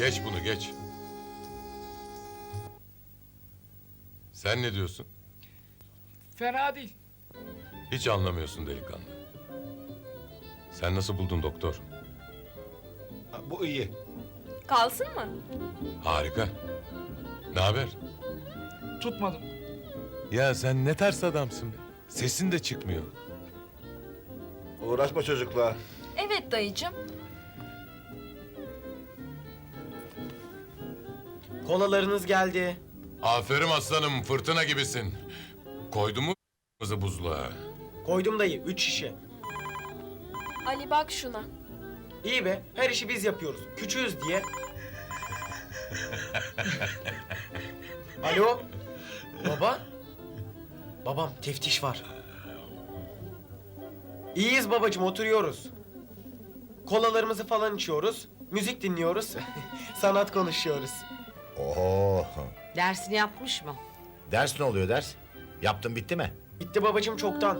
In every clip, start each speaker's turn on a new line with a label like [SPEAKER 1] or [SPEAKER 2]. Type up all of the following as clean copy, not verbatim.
[SPEAKER 1] Geç bunu geç. Sen ne diyorsun?
[SPEAKER 2] Fena değil.
[SPEAKER 1] Hiç anlamıyorsun delikanlı. Sen nasıl buldun doktor?
[SPEAKER 3] Bu iyi.
[SPEAKER 4] Kalsın mı?
[SPEAKER 1] Harika. Ne haber?
[SPEAKER 2] Tutmadım.
[SPEAKER 1] Ya sen ne ters adamsın be. Sesin de çıkmıyor.
[SPEAKER 3] Uğraşma çocukla.
[SPEAKER 4] Evet dayıcığım.
[SPEAKER 5] Kolalarınız geldi.
[SPEAKER 1] Aferin aslanım, fırtına gibisin. Koydun mu buzluğa?
[SPEAKER 5] Koydum dayı 3 şişe.
[SPEAKER 4] Ali bak şuna.
[SPEAKER 5] İyi be, her işi biz yapıyoruz. Küçüğüz diye. Alo? Baba? Babam, teftiş var. İyiyiz babacığım, oturuyoruz. Kolalarımızı falan içiyoruz. Müzik dinliyoruz. Sanat konuşuyoruz.
[SPEAKER 6] Oho.
[SPEAKER 7] Dersini yapmış mı?
[SPEAKER 6] Ders ne oluyor ders? Yaptın bitti mi?
[SPEAKER 5] Bitti babacığım çoktan.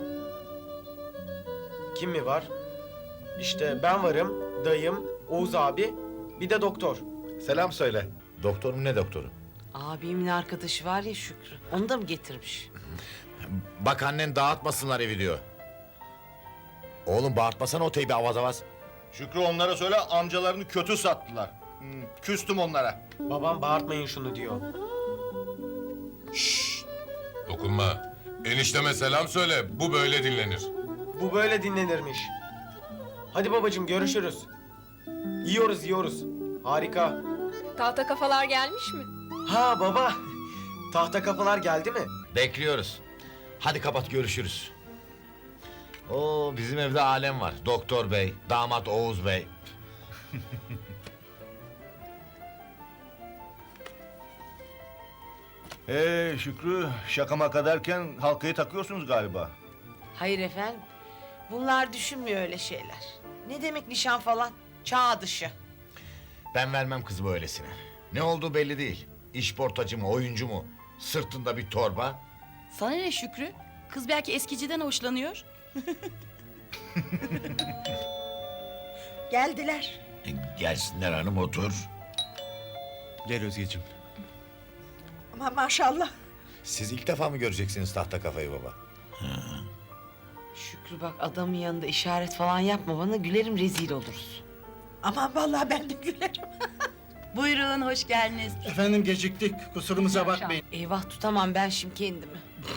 [SPEAKER 5] Kim mi var? İşte ben varım, dayım, Oğuz abi, bir de doktor.
[SPEAKER 3] Selam söyle.
[SPEAKER 6] Doktor mu ne doktoru?
[SPEAKER 7] Abimin arkadaşı var ya Şükrü. Onu da mı getirmiş?
[SPEAKER 6] Bak annen dağıtmasınlar evi diyor. Oğlum bağırtmasana o teybi avaz avaz.
[SPEAKER 3] Şükrü onlara söyle amcalarını kötü sattılar. Küstüm onlara.
[SPEAKER 5] Babam bağırtmayın şunu diyor.
[SPEAKER 1] Dokunma. Enişteme selam söyle, bu böyle dinlenir.
[SPEAKER 5] Bu böyle dinlenirmiş. Hadi babacığım görüşürüz. Yiyoruz. Harika.
[SPEAKER 4] Tahta kafalar gelmiş mi?
[SPEAKER 5] Ha baba. Tahta kafalar geldi mi?
[SPEAKER 6] Bekliyoruz. Hadi kapat görüşürüz. Oo bizim evde alem var. Doktor bey, damat Oğuz bey.
[SPEAKER 3] Şükrü şaka maka derken halkayı takıyorsunuz galiba.
[SPEAKER 7] Hayır efendim. Bunlar düşünmüyor öyle şeyler. Ne demek nişan falan? Çağ dışı.
[SPEAKER 6] Ben vermem kızımı öylesine. Ne olduğu belli değil. İşportacı mı, oyuncu mu? Sırtında bir torba.
[SPEAKER 8] Sana ne Şükrü? Kız belki eskiciden hoşlanıyor.
[SPEAKER 7] Geldiler.
[SPEAKER 6] Gelsinler hanım otur.
[SPEAKER 9] Gel Özgeciğim.
[SPEAKER 7] Ama maşallah.
[SPEAKER 6] Siz ilk defa mı göreceksiniz tahta kafayı baba?
[SPEAKER 7] Şükrü bak adamın yanında işaret falan yapma bana. Gülerim rezil oluruz.
[SPEAKER 10] Aman vallahi ben de gülerim.
[SPEAKER 8] Buyurun, hoş geldiniz.
[SPEAKER 9] Efendim geciktik. Kusurumuza bakmayın.
[SPEAKER 7] Eyvah tutamam ben şimdi kendimi.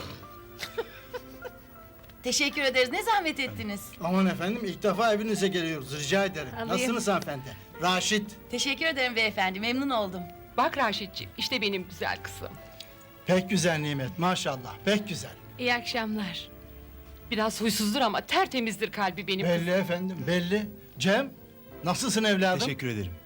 [SPEAKER 8] Teşekkür ederiz. Ne zahmet ettiniz?
[SPEAKER 9] Aman efendim ilk defa evinize geliyoruz. Rica ederim.
[SPEAKER 8] Alayım.
[SPEAKER 9] Nasılsınız hanımefendi? Raşit.
[SPEAKER 8] Teşekkür ederim beyefendi. Memnun oldum.
[SPEAKER 2] Bak Raşitciğim, işte benim güzel kızım.
[SPEAKER 9] Pek güzel Nimet maşallah. Pek güzel.
[SPEAKER 2] İyi akşamlar. Biraz huysuzdur ama tertemizdir kalbi benim kızım.
[SPEAKER 9] Belli efendim belli. Cem nasılsın evladım?
[SPEAKER 11] Teşekkür ederim.